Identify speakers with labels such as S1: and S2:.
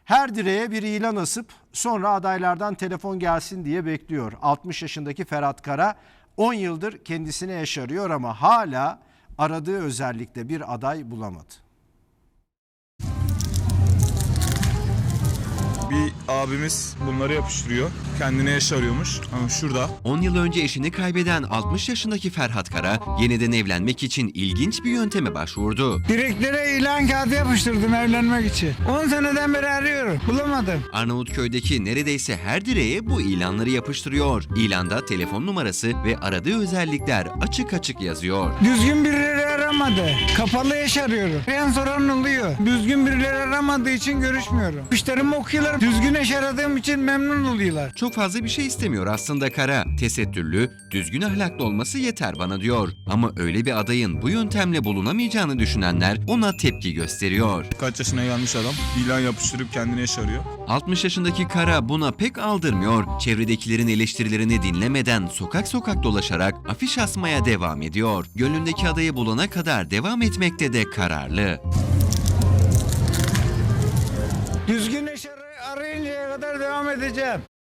S1: Her direğe bir ilan asıp sonra adaylardan telefon gelsin diye bekliyor. 60 yaşındaki Ferhat Kara 10 yıldır kendisine eş arıyor ama hala aradığı özellikle bir aday bulamadı.
S2: Bir abimiz bunları yapıştırıyor. Kendine eş arıyormuş. Ama şurada.
S3: 10 yıl önce eşini kaybeden 60 yaşındaki Ferhat Kara yeniden evlenmek için ilginç bir yönteme başvurdu.
S4: Direklere ilan kağıdı yapıştırdım evlenmek için. 10 seneden beri arıyorum. Bulamadım.
S3: Arnavutköy'deki neredeyse her direğe bu ilanları yapıştırıyor. İlanda telefon numarası ve aradığı özellikler açık açık yazıyor.
S4: Düzgün birileri aramadı. Kapalı eş arıyorum. En soran oluyor. Düzgün birileri aramadığı için görüşmüyorum. Müşterimi okuyorlar. Düzgün eş aradığım için memnun oluyorlar.
S3: Çok fazla bir şey istemiyor aslında Kara. Tesettürlü, düzgün ahlaklı olması yeter bana diyor. Ama öyle bir adayın bu yöntemle bulunamayacağını düşünenler ona tepki gösteriyor.
S2: Kaç yaşına gelmiş adam. İlan yapıştırıp kendine eş arıyor.
S3: 60 yaşındaki Kara buna pek aldırmıyor. Çevredekilerin eleştirilerini dinlemeden sokak sokak dolaşarak afiş asmaya devam ediyor. Gönlündeki adayı bulana kadar devam etmekte de kararlı.
S4: Düzgün eş arayıncaya kadar devam edeceğim.